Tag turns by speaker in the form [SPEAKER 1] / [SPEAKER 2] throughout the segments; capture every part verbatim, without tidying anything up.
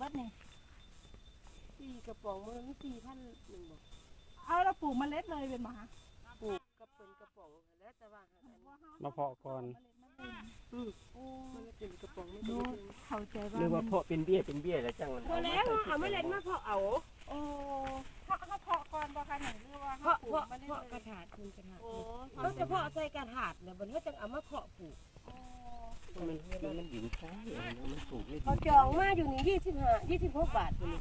[SPEAKER 1] บัดนี่
[SPEAKER 2] สี่กระป๋องมันสี่พันหนึ่งบอก
[SPEAKER 1] เอาเราปลูกเมล็ดเลยเป็นมา
[SPEAKER 2] ปลูกกระเป็นกระป๋องแล้วแต่ว่า
[SPEAKER 3] มาเพาะก่อน
[SPEAKER 2] อืมมันเป็นกระป๋องไม่ดู
[SPEAKER 1] เข้าใจว่า
[SPEAKER 3] หรือว่าเพาะเป็นเบี้ยเป็นเบี้ยแล้วจัง
[SPEAKER 2] พอแล้วเอาไม่เล็ดมาเพาะเอา
[SPEAKER 1] โอ้เพาะเขาเพาะก่อนบ่คะหนึ่งหรือว่า
[SPEAKER 2] เพาะเพาะเพาะกระถางคุณกระถางเขาจะเพาะใส่กระถางเนี่ยบนเขาจะเอามาเพาะปลูก
[SPEAKER 3] มันมันหญิงใช่มันปลูกไม่ดี
[SPEAKER 2] เขาจองมาอยู่นี่ยี่สิบห้ายี่สิบหกบาทอยู่นี่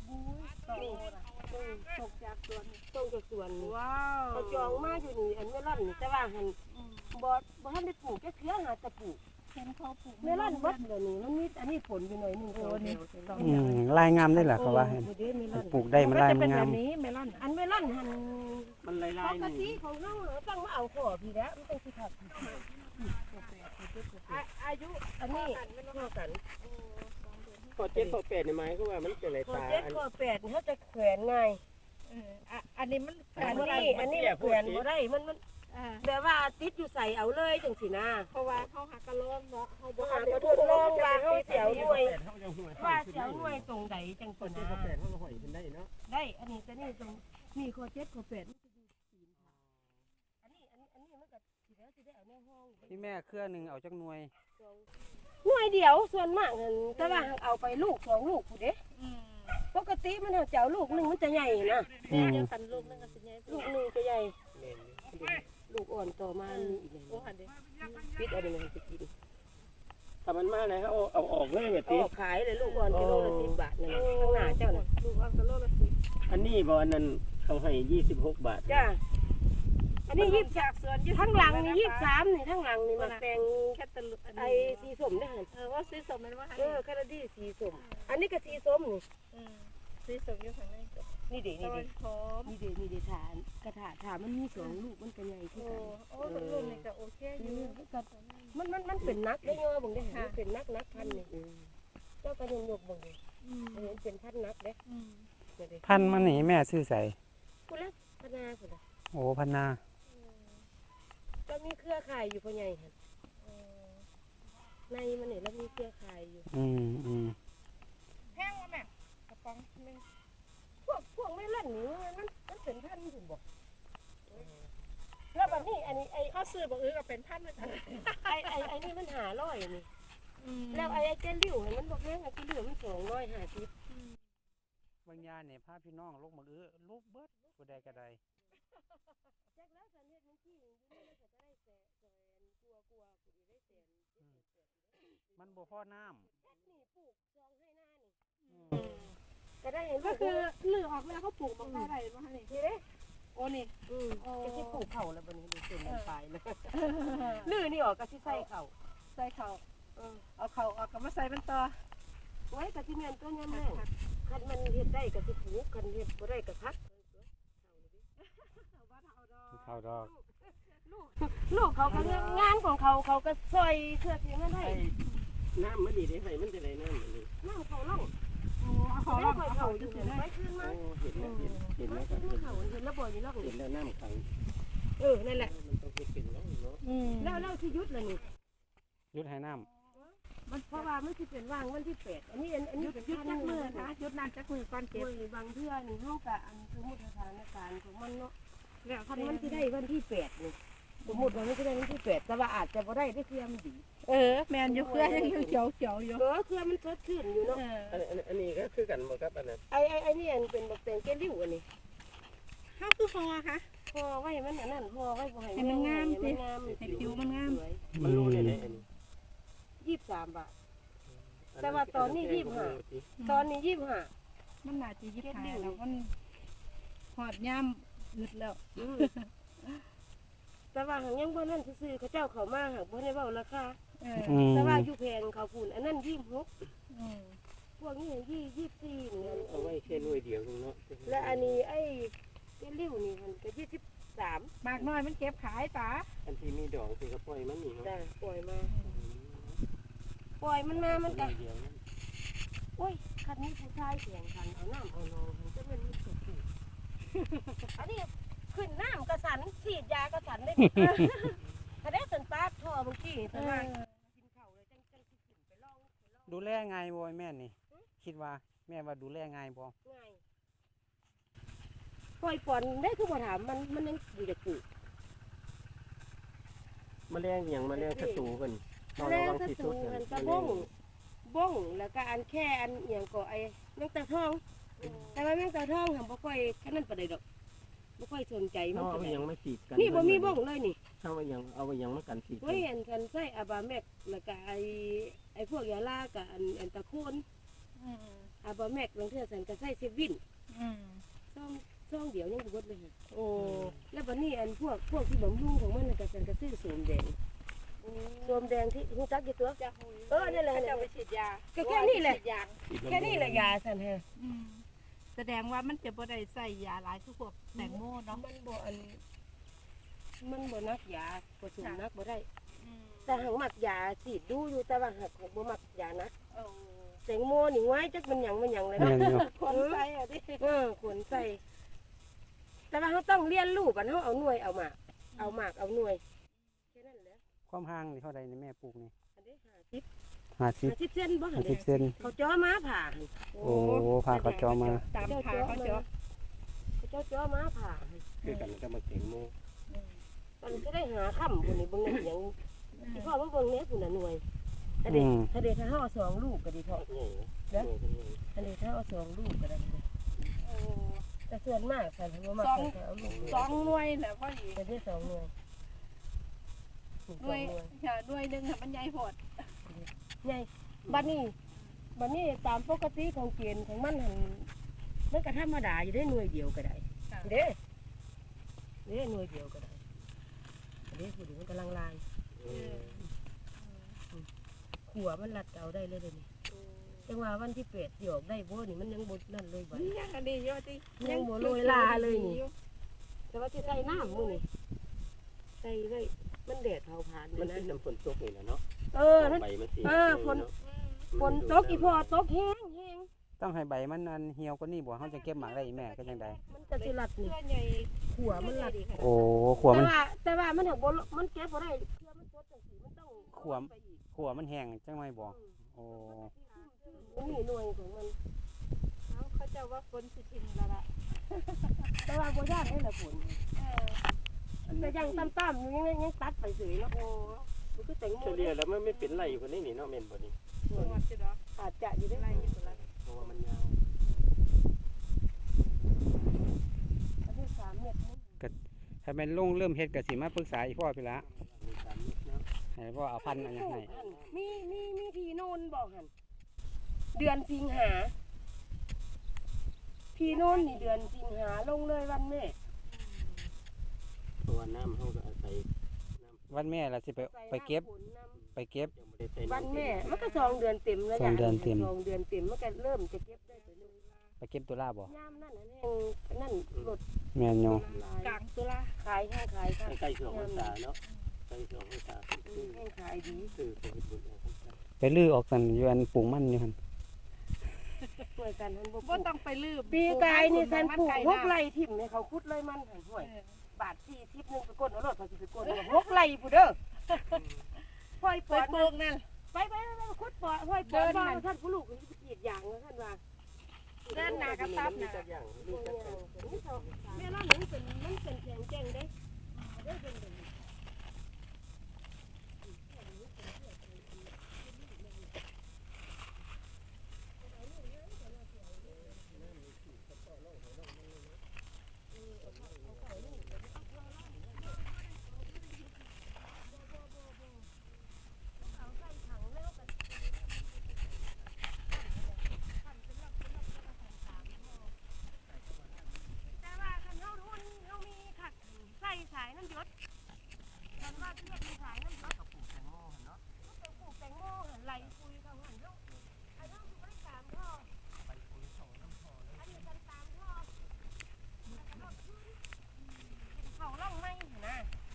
[SPEAKER 2] ตกจากสวนตกจากสวน
[SPEAKER 1] ว้าว
[SPEAKER 2] เขาจองมาอยู่นี่อันเมลอนแต่ว่าหันบอบ่ทันได้ปลูกแค่เชื้อหาจะปลูก
[SPEAKER 1] เห็นเขาปลูก
[SPEAKER 2] เมลอนเบิดเลยนี่มันมีอันนี้ผลอยู่หน่อยนึงโอ้นี่
[SPEAKER 3] อืมลายงามได้เหรอเขาว่าปลูกได้มันลายงาม
[SPEAKER 1] นี้เมลอน
[SPEAKER 2] อันเมลอนหัน
[SPEAKER 3] มันลายลาย
[SPEAKER 2] ปกติของเราต้องมาเอาขอพี่แล้วมันเป็นสิครับอายุอันนี้เท่ากัน
[SPEAKER 3] พอเจ็ดพอแปดในไม้ก็ว่ามันจะอะไรตา
[SPEAKER 2] เจ็ดพอแปดเขาจะแขวนง่าย
[SPEAKER 1] อันนี้มัน
[SPEAKER 2] อันนี้อันนี้แขวนบ่ได้มันมันแต่ว่าติดอยู่ใส่เอาเลยจังสินะ
[SPEAKER 1] เพราะว่าเขาหักกระโลงเนาะเขา
[SPEAKER 2] บ่หักกระโลงว่าเขาเสียวหน่วยว่าเสียวหน่วยตรงใดจังสินะได้อันนี้จะนี่ตรงนี่ข้อเจ็ดข้อแปดมันจะอยู่ศีลค่ะอันนี้อันนี้อันนี้มันก็สิแล้วสิได้เอาในห้อง
[SPEAKER 3] ที่แม่เครือหนึ่งเอาจักหน่วย
[SPEAKER 2] หน่วยเดียวส่วนมากแต่ว่าเอาไปลูกสองลูกผู้เด้ปกติมันเอาเจ้าลูกหนึ่งมันจะใหญ่นะ
[SPEAKER 3] เดี
[SPEAKER 2] ยวกันลูกนึงก็สิใหญ่ลูกหนึ่งจะใหญ่ลูกอ่อนต่อมามีอีกเลยปิดเอาไปเลยจะกิน
[SPEAKER 3] ถ้ามันมาแล้วเอาเอาออกเลยแบบนี้
[SPEAKER 2] ขายเลยลูกอ่อนกิโลละสิบบาทนั่นข้างหน้าเจ้าน่ะลูกอ่อนกิโลละสิบ
[SPEAKER 3] อันนี้บอลนั้นเขาให้ยี่สิบหกบาท
[SPEAKER 2] จ้าอันนี้ยี่สิบจากส่วนทั้งหลังนี่ยี่สิบสามนี่ทั้งหลังนี่มาแปลงแค่ตะลุไอสีส้มได้เหรอ
[SPEAKER 1] เออว่าสีส้มมันว่า
[SPEAKER 2] เออแคนาดีสีส้มอันนี้ก็สีส้มนี่
[SPEAKER 1] สีส้มอยู่ข้างใน
[SPEAKER 2] นี่เด็นี่เด็นี่เด็นี่เด็ฐานกระถาฐานมันมีสองลูกมันก็ใหญ่ขึ้นกัน
[SPEAKER 1] โอ้ลูกนี่ก็โอเคอยู่
[SPEAKER 2] มันมันมันเป็นนักได้เงาบ่งได้มันเป็นนักนักพันนี่เจ้าก็ยังยกบ่งเลยเห็นเป็นพันนักเด้
[SPEAKER 3] พันมันนี่แม่ซื้อใส่
[SPEAKER 2] กูแล้วพนากูละ
[SPEAKER 3] โอ้พันนา
[SPEAKER 2] ก็มีเครือข่ายอยู่พ่อใหญ่ค่ะในมันเนี่ยแล้วมีเครือข่ายอยู่
[SPEAKER 3] อืมอืม
[SPEAKER 1] แพงวะแม่กระป๋องนึง
[SPEAKER 2] พวกพวกไม่เล่นนี่มันมันเป็นพันถึงบอกแล้วแบบนี้อันนี้ไอ้
[SPEAKER 1] เขาซื้อบอกเออก็เป็นพันเหมือนกัน
[SPEAKER 2] ไอ้ไอ้ไอ้นี่มันหาร้อยนี่แล้วไอ้เจลลิ่วมันบอกแม่ไอ้เจลลิ่วมันสองร้อยห้าสิ
[SPEAKER 3] บางยาเนี่ยพาพี่น้องลูกมาเออลูกเบิดผู้ใดก็ได้
[SPEAKER 2] แจ็คแล้วสันเฮ็ดมันขี้อยู่นี่แล้วก็จะได้แสนแสนกลัวกลัวกูได้แสน
[SPEAKER 3] มันบ่พอน้
[SPEAKER 2] ำแจ็คนี่ปลูกจองให้หน้านี่ก็ได้เห็น
[SPEAKER 1] ก็คือลือออกแล้วเขาปลูกมาอะไรมาให้นี่
[SPEAKER 2] เด้
[SPEAKER 1] โอ้นี่
[SPEAKER 2] อืมจะที่ปลูกเข่าแล้วบัดนี้ดูเส้นมันไปเลยลือนี่ออกก็สิใส่เข่า
[SPEAKER 1] ใส่เข่าเอาเข่าออกก็มาใส่เป็นต่อ
[SPEAKER 2] ไว้กับที่แม่นตัวยำแม่คันมันเฮ็ดได้ก็สิปลูกคันเฮ็ดบ่ได้ก็พัก
[SPEAKER 3] เขาดอก
[SPEAKER 2] ลูกเขาก็งานของเขาเขาก็ซอยเสื้อสีมันให้
[SPEAKER 3] น้ำมันดีได้ไหมมันจะไหนน้ำมัน
[SPEAKER 2] น้ำเขาล่อง
[SPEAKER 1] เขาล่องเขา
[SPEAKER 2] อยู่เห็นไหมขึ้นมา
[SPEAKER 3] เห็นแล้วเห็นแล้ว
[SPEAKER 2] เห็นแล้วเห็นแล้วบ่อยนี่ล่อง
[SPEAKER 3] เห็นแล้วน้ำขัง
[SPEAKER 2] เออนั่นแหละ
[SPEAKER 3] มันต้องเป็นแล้วเนาะ
[SPEAKER 2] แล้วแล้วที่ยุดเลยนี่
[SPEAKER 3] ยุดให้น้
[SPEAKER 2] ำมันเพราะว่ามันที่เป็นว่างวันที่แปดอันนี้อันนี้เป็น
[SPEAKER 1] ยุดจักมือนะยุดนานจักมือก้อนเก็บบ
[SPEAKER 2] างเทื่อนี่ห้องกะอันสมมติสถานการณ์ของมันเนาะแล้วคันมันที่ได้วันที่แปดนี่สมมติว่ามันจะได้วันที่แปดแต่ว่าอาจจะบ่ได้ได้เครือมันดี
[SPEAKER 1] เออแมนอยู่เครือยังเขียวเขียวอยู่
[SPEAKER 2] เออเครือมันสดชื่นอยู่เนาะ
[SPEAKER 3] อันนี้ก็คือกันบ่ครับอันนั้น
[SPEAKER 2] ไอ้ไอ้ไอ้นี่อันเป็นบักแตงแก้ริ้วอันนี้
[SPEAKER 1] ข้าวคือพอคะ
[SPEAKER 2] พอไว้มันอันนั้นพอไว้บ่ให้
[SPEAKER 1] มันงามสิให้ผิวมันงาม
[SPEAKER 3] มันรู้เลยอันนี้
[SPEAKER 2] ยี่สิบสามบาทแต่ว่าตอนนี้ยี่สิบห้าตอนนี้ยี่สิบห้า
[SPEAKER 1] มันน่าจะยี่สิบห้าแล้วมันหอดย่ำอึดแล้ว
[SPEAKER 2] แต่ว่าหางยังบ่นั่นซื้อเขาเจ้าเขามาหากบ่ได้เว้าราคาแต่ว่าอยู่แพงเขาพูนอันนั้นยี่สิบหกพวกนี้ยี่ยี่สิบสี่นี่
[SPEAKER 3] เอาไว้แค่หน่วยเดียวเนาะ
[SPEAKER 2] และอันนี้ไอ้เจลลิ่วนี่มันก็ยี่สิบสาม
[SPEAKER 1] มากน้อยมันเก็บขายตา
[SPEAKER 3] อันที่มีดอกคือก็ปล่อยมันนี่เนาะ
[SPEAKER 2] จ้ะปล่อยมาปล่อยมันมามันก็โอ้ยคันนี้ผู้ชายแข่งขันเอาน้ำเอานองมันจะเป็นมิตรสุดอันนี้ขึ้นน้ำกระสันฉีดยากระสันได้ถ้าได้สันปาดท่อบางทีแต่ว่ากินเข่าเลยจังจังสิขึ้นไปลอง
[SPEAKER 3] ดูแลไงโวยแม่นี่คิดว่าแม่ว่าดูแลง่ายบ่
[SPEAKER 2] ง่ายปล่อยปอนได้คือบ่ถามมันมันยังอยู่จะกู
[SPEAKER 4] แมลงอหย่างแมลงศัตรูกัน
[SPEAKER 2] แรงศัตรูมันกระบ้งบ้งแล้วก็อันแค่อันเอียงก็ไอ้แมงตาทอง แต่ว่าแมงตาทองทำบ่ค่อยแค่นั้นปานใดดอกบ่ค่อยสนใจมัน
[SPEAKER 4] เอา
[SPEAKER 2] ปาน
[SPEAKER 4] ไป
[SPEAKER 2] ใด
[SPEAKER 4] ยังไม่ฉีดกัน
[SPEAKER 2] นี่บ่มีบ้งเลยนี่
[SPEAKER 4] เอาไปยังเอาไปยังมากันฉีดกั
[SPEAKER 2] เฮ้ยอันกันใส่อาบาแมกแล้วก็ไอ้ไอ้พวกยาลากับอันอันตะโคน
[SPEAKER 1] อืม
[SPEAKER 2] อาบาแมกบางเทื่อสันก็ใส่เซวิน
[SPEAKER 1] อืม
[SPEAKER 2] ซ่องซ่องเดียวยังบ่เบิดเลยค่ะ
[SPEAKER 1] โอ้
[SPEAKER 2] แล้วบัดนี้อันพวกพวกที่บำรุงของมันน่ะก็สันก็ซื้อโสมแดงโสมแดงที่ฮู้จักกี่ตัว
[SPEAKER 1] จะหุย
[SPEAKER 2] เออนี่แหละ
[SPEAKER 1] เขาจะเอาไปฉีดยา
[SPEAKER 2] ก็แค่นี้แหละ
[SPEAKER 1] ฉีดยาง
[SPEAKER 4] ฉีด
[SPEAKER 2] แค่นี้แหละยาสันแฮะ
[SPEAKER 1] อืมแสดงว่ามันจะบ่ได้ใส่ยาหลายทุกพวกแตงโมเนาะ
[SPEAKER 2] มันบ่อันมันบ่นักยาผสมนักบ่ได้
[SPEAKER 1] อืม
[SPEAKER 2] แต่หังมักยาฉีดดูอยู่แต่ว่าหักของบ่มักยานัก
[SPEAKER 1] โอ้
[SPEAKER 2] แตงโมนี่ไว้จักมันหยังมันหยังเลย
[SPEAKER 3] แม่
[SPEAKER 2] เนาะ
[SPEAKER 3] นอยู่
[SPEAKER 1] คนใส่อ่ะดิ
[SPEAKER 2] เออขนใส่ แต่ว่าเขาต้องเรียนรู้กันเขาเอาหน่วยเอาหมากเอาหมากเอาหน่วยแค่นั้นแหละ
[SPEAKER 3] ความห่างนี่เท่าใดนี่แม่ปลูกนี่
[SPEAKER 2] อันนี้ห้าสิบ
[SPEAKER 3] ห้าสิบ
[SPEAKER 2] ห้าสิบเซนบ่หั
[SPEAKER 3] ห้าน สิบ
[SPEAKER 2] เด้
[SPEAKER 3] เซน
[SPEAKER 2] เขาจ้อม้าผ่าหั่น
[SPEAKER 3] โอ้พาเขาจอมา
[SPEAKER 1] ตามขาเขาเจาะ
[SPEAKER 2] เขาเจ้าจ้อม้าผ่าหั่น
[SPEAKER 4] คือกันก็มาเก่งโม
[SPEAKER 1] อืม
[SPEAKER 2] มันจะได้หาค่ำคนนี้เบิ่งหยังที่พ่อมาเบิ่งเนี้ยคุณน่ะหน่วยถ้าเด็
[SPEAKER 3] อื
[SPEAKER 2] ก
[SPEAKER 3] ม
[SPEAKER 2] ถ้าเด็กถ้าเฮาเอาสองลูกก็ดีพอ
[SPEAKER 4] ใหญ่
[SPEAKER 2] เด้อ
[SPEAKER 4] ใหญ่เป็นใหญ่
[SPEAKER 2] ถ้าเด็กถ้าเอาสองลูกก็ได้เลย
[SPEAKER 1] โอ้
[SPEAKER 2] แต่ส่วนมากสันเขาบ่มักสันเขาเอาลูก
[SPEAKER 1] สองหน่วยแหละพ่อหญิง
[SPEAKER 2] แต่ได้สองหน่วยสอง
[SPEAKER 1] หน่วย
[SPEAKER 2] หน่วย
[SPEAKER 1] ค่ะหน่วยหนึงค่ะมันใหญ่โพด
[SPEAKER 2] ใหญ่บัดนี้บัดนี้ตามปกติของเกณฑ์ของมันหั่นมันก็ธรรมดาอยู่ได้หน่วยเดียวก็ได้
[SPEAKER 1] ค่ะ
[SPEAKER 2] เด้เด้หน่วยเดียวก็ได้เด้ผู้ดีมันกำลังลาย
[SPEAKER 4] เออ
[SPEAKER 2] ขัวมันรัดเอาได้เลยเดี๋ยวนี้จังว่าวันที่เป็ดหยอกได้บ่นี่มันยังบ่นั่นเลยบัด
[SPEAKER 1] ยังอันนี้เยอะจิ
[SPEAKER 2] ยังบ่โรยลาเลยนี่ แต่ว่าจะใส่น้ำมื้อนี่ใส่ไว้มันแดดเผาผลาญ
[SPEAKER 4] มัน
[SPEAKER 2] นะ
[SPEAKER 4] เป็นน้ำฝนตกนี่นะเนาะ
[SPEAKER 2] เออนั่น
[SPEAKER 4] ใบมันสี
[SPEAKER 2] เออฝน ฝนตกอีพอตกแห้งแห้ง
[SPEAKER 3] ต้องให้ใบมันอันเหี่ยวกว่านี้บ่เฮาจะเก็บหมากได้อีแม่ก็จังได
[SPEAKER 2] มันจะสิรัดนี่
[SPEAKER 1] เสื้อใหญ่
[SPEAKER 2] ขัวมันรัด
[SPEAKER 3] โอ้ขัว
[SPEAKER 2] แต่
[SPEAKER 3] มัน
[SPEAKER 2] ว่าแต่ว่ามันหักบ่มันเก็บบ่ได้เพื่อมันสดจังซี่มันต้อง
[SPEAKER 3] ขวม
[SPEAKER 2] ไปอีก
[SPEAKER 3] ขัวมันแห้งจังไดบ่โอ้
[SPEAKER 2] มันมีหน่วยของมัน
[SPEAKER 1] เขาเขาจะว่าฝนสิทิมแล้วล่ะ
[SPEAKER 2] แต่ว่าบ่ยากได้ละฝน
[SPEAKER 1] เออ
[SPEAKER 2] แต่ยังต่ำๆอยู่ยังยังตัดไปเฉยเนาะโอ้มันคือแตงโม
[SPEAKER 4] เฉลี่ยแล้วมันไม่เป็นไรคนนี้นี่เนาะเมนบ่นี่
[SPEAKER 1] หมดจิเนาะ
[SPEAKER 2] อาจจะอยู่ได้
[SPEAKER 1] ไล่อยู่ตัวละ
[SPEAKER 4] เพราะว่ามันยาว
[SPEAKER 2] อันที่สามเม็ดนี่
[SPEAKER 3] ถ้าแม่นลงเริ่มเฮ็ดก็สิมาปรึกษาอีพ่อพี่ละ
[SPEAKER 4] มีสามนิดเนาะ
[SPEAKER 3] ให้พ่อเอาพันธุ์อันหยังให้
[SPEAKER 2] มีมีมีพี่โนนบอกหันเดือนสิงหาพี่โนนนี่เดือนสิงหาลงเลยวันแม่
[SPEAKER 4] เพราะว่าน้ำเขาก็อาศัยน้ำ
[SPEAKER 3] วันแม่ล่ะสิไปไปเก็บ
[SPEAKER 2] ใส่น้ำฝนน้
[SPEAKER 3] ไปเก็บ
[SPEAKER 4] ยังไม่ได้ใส่
[SPEAKER 2] ำ
[SPEAKER 4] น้ำ
[SPEAKER 2] วันแม่มันก็สองเดือนเต็มแล้ว
[SPEAKER 3] สองเดือนเต็ม
[SPEAKER 2] สองเดือนเต็มมันก็เริ่มจะเก็บได้ไปเลย
[SPEAKER 3] ไปเก็บตุลาบ่
[SPEAKER 2] ยามนั่นน่ะแห้งนั่นรถ
[SPEAKER 3] แม่นอยู่
[SPEAKER 2] ลาย
[SPEAKER 1] กลางตุลา
[SPEAKER 2] ขายแห้งขายค่ะ
[SPEAKER 4] ใกล้ๆช่วงพรรษาเนาะใกล้ช่วงพรรษา
[SPEAKER 2] อื
[SPEAKER 4] คือ
[SPEAKER 2] มแห้งขายดี
[SPEAKER 4] คือโควิดบุญของพรรษา
[SPEAKER 3] ไปลื้อออกกันอยู่อันปลูกมันอยู่หั่น
[SPEAKER 2] ช่วยกันทันบ่
[SPEAKER 1] บ่ต้องไปลืม
[SPEAKER 2] ปีกายนี่สันปลูกหก
[SPEAKER 1] ไร
[SPEAKER 2] ไร่ทิ่มให้เขาคุดเลยมันหันห้วย
[SPEAKER 1] เออ
[SPEAKER 2] บาทสี่สิบหนึ่งไปกดเอารถเขาสิไปกดเอาหกไร่ผู้เด้อพ่อยป
[SPEAKER 1] ไป
[SPEAKER 2] อด
[SPEAKER 1] ปลูกนั่น
[SPEAKER 2] ไปไปไปไปคุดปอดพ่อยปอดว่าท่านผู้ลูกนี่กรีดยางนะท่านว่า
[SPEAKER 1] เดินหน้ากับตับ
[SPEAKER 4] มี
[SPEAKER 1] น่ะ
[SPEAKER 4] จักอย่างมีจักอย่าง
[SPEAKER 2] แม่เราหนึ่งเป็นมันเป็นแข็งแกร่งเด้ได้เป็นแบบนี้ แต่ว่าคันเฮาทุนเฮามีขัดใส่สายน้ำยศคันว่าเรียกมีสายน้ำยศ
[SPEAKER 4] ก็ปลูกแตงโมเนาะ
[SPEAKER 2] ก็ไปปลูกแตงโมหันไหลคุยเขาหันเฮาอันเฮาสิบ่ได้ตามพ่อ
[SPEAKER 4] ไปปุ๋ยเขาน้ำพอเลย
[SPEAKER 2] อันนี้กันตามพ่อแล้วก็รถขึ้นเป็นเขาล่องไม้หั่นนะ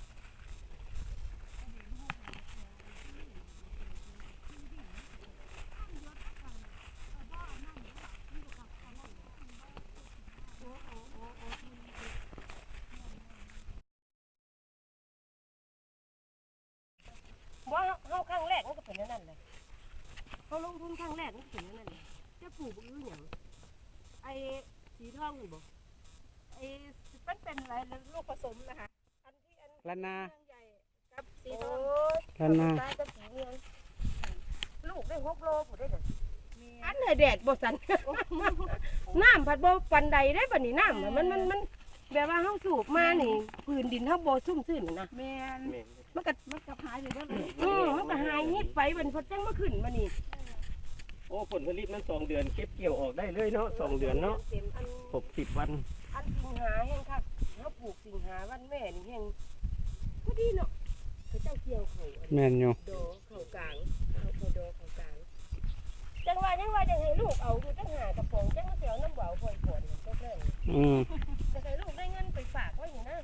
[SPEAKER 2] ว่าเฮาครั้งแรกมันก็เป็นอย่างนั้นเลยเขาลงทุนครั้งแรกมันก็เป็นอย่างนั้นเลยจะปลูกอื้อหยังไอ้สีทองนี่บ่
[SPEAKER 1] ไอ้มันเป็นอะไรลูกผสมนะคะอันที่อัน
[SPEAKER 3] ละนา
[SPEAKER 1] เมืองใหญ่กับสี
[SPEAKER 2] โอ้
[SPEAKER 1] ทอง
[SPEAKER 3] ละนา
[SPEAKER 2] ตากับสีเมืองลูกได้หกโลผู้ได้เด้อ
[SPEAKER 1] มี
[SPEAKER 2] อันน่ะแดดบ่สั่น น้ำผัดบ่ปันใดได้บัดนี้น้ำน่ะมันมันมันแบบว่าเฮาสูบมานี่พื้นดินเฮาบ่ชุ่มชื้นน่ะนะ
[SPEAKER 1] แมน
[SPEAKER 4] แม่น
[SPEAKER 2] มันก็
[SPEAKER 1] มันกับหายไปเบิดเลย
[SPEAKER 2] อือมันก็หายนิดไปบัดนี้พอจังมาขึ้นมานี่
[SPEAKER 4] โอ้ผลผลิตมันสองเดือนเก็บเกี่ยวออกได้เลยเนาะสองเดือนเนาะ
[SPEAKER 2] เต็มอัน
[SPEAKER 4] หกสิบวัน
[SPEAKER 2] อันสิงหาแห่งคักเฮาปลูกสิงหาวันแม่นี่แห่งพอดีเนาะเขาเจ้าเกี่ยวเขาอัน
[SPEAKER 3] แม่นอยู่
[SPEAKER 2] ดอเขากลางเขาเขาดอเขากลางจังว่าจังว่าจังให้ลูกเอาคือจังหากระป๋องจังว่าสิเอาน้ำเบาพ่อยก่อนก็ได้
[SPEAKER 3] อืม
[SPEAKER 2] จะให้ลูกได้เงินไปฝากไว้อยู่นะ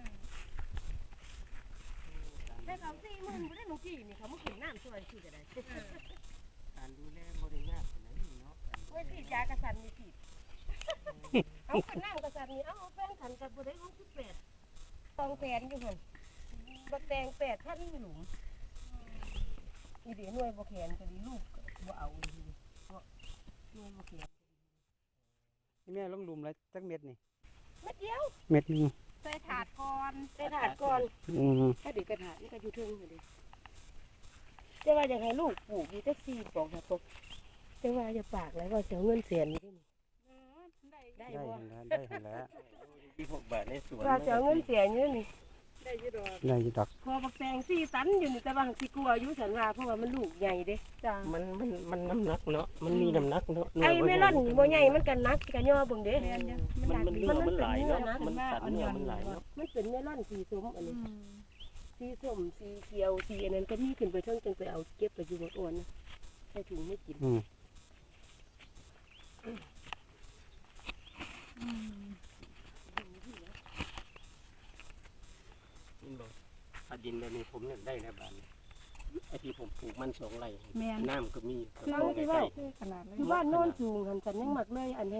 [SPEAKER 2] ได้เขาสี่หมื่นบ่ได้หนูกี่นี่เขามาขึ้นน้ำช่วยสิก็ได้
[SPEAKER 4] การดูแลบริงานขนาดนี้เนาะ
[SPEAKER 2] เว้ยพี่ยากระสันนี่ผิดเอาขึ้นน้ำกระสันนี่เอาแฟนขันกับบ่ได้หกสิบแปดตองแฟนอยู่หั่นบักแตงแปดพันหลุมอีเดี๋ยวหน่วยบ่แขนก็ดีลูกบ่เอาอีกเพราะหน่วยบ่แขน
[SPEAKER 3] นี่แม่ลงหลุมแล้วจักเม็ดนี่
[SPEAKER 2] เม็ดเดียว
[SPEAKER 3] เม็ดหนึง
[SPEAKER 1] ใส่ถาดก่อน
[SPEAKER 2] ได้ถาดก่อน
[SPEAKER 3] อืม
[SPEAKER 2] ถ้าเด็กกระถางนี่ก็อยู่เทิงอยู่ดิจะว่าอยากให้ลูกปลูกอยู่แท็กซี่บอกนะปุ๊บจะว่าจะปากแล้วว่าเสียเงินเสียนี่นี่
[SPEAKER 1] เออได้
[SPEAKER 2] ได้
[SPEAKER 3] ได้
[SPEAKER 2] บ่
[SPEAKER 3] เห็นแล้วได้เห็นแล้ว
[SPEAKER 4] ที่หกบาทในสวน
[SPEAKER 2] ว่าเสียเงินเสียนี่นี่
[SPEAKER 1] ได้อยี่ดอก
[SPEAKER 3] ได้อยู่ดอก
[SPEAKER 2] พอบักแตงสี่ตันอยู่นี่แต่ว่าสิกลัวอายุสันว่าเพราะว่ามันลูกใหญ่เด้
[SPEAKER 1] จ้า
[SPEAKER 4] มันมันมันน้ำหนักเนาะมันมีน้ำหนักเนาะ
[SPEAKER 2] ไอ้เมลอนบ่ใหญ่มันกันนักกันย่อเบิ่งเด้
[SPEAKER 1] แมนจ้ะ
[SPEAKER 4] มันมัน
[SPEAKER 1] ห
[SPEAKER 4] เนื้
[SPEAKER 1] นั
[SPEAKER 4] อก มันหลายเนาะ
[SPEAKER 2] มั
[SPEAKER 4] มัน
[SPEAKER 2] น
[SPEAKER 4] สันเนื้อมันหลายเนาะ
[SPEAKER 2] มันเป็นเมลอนสีส้มอัน
[SPEAKER 1] อื
[SPEAKER 2] นี้
[SPEAKER 1] ม
[SPEAKER 2] สีส้มสีเขียวสีอันนั้นก็มีขึ้นไปเทิงจังไปเอาเก็บไปอยู่บนอ้วนนะใส่ถุงไม่กิน
[SPEAKER 3] อืม
[SPEAKER 1] อืม
[SPEAKER 4] มันบอกถ้าดินแบบนี้ผมเนี่ยได้แล้วบานไอ้ที่ผมปลูกมันสองไร่
[SPEAKER 1] แมน
[SPEAKER 4] น้ำก็มี
[SPEAKER 2] คือว่าที่ว่า
[SPEAKER 1] คือขนาดเลย
[SPEAKER 2] คือบ้านโน่นสูงหันสันยังหมักเลยอันนี้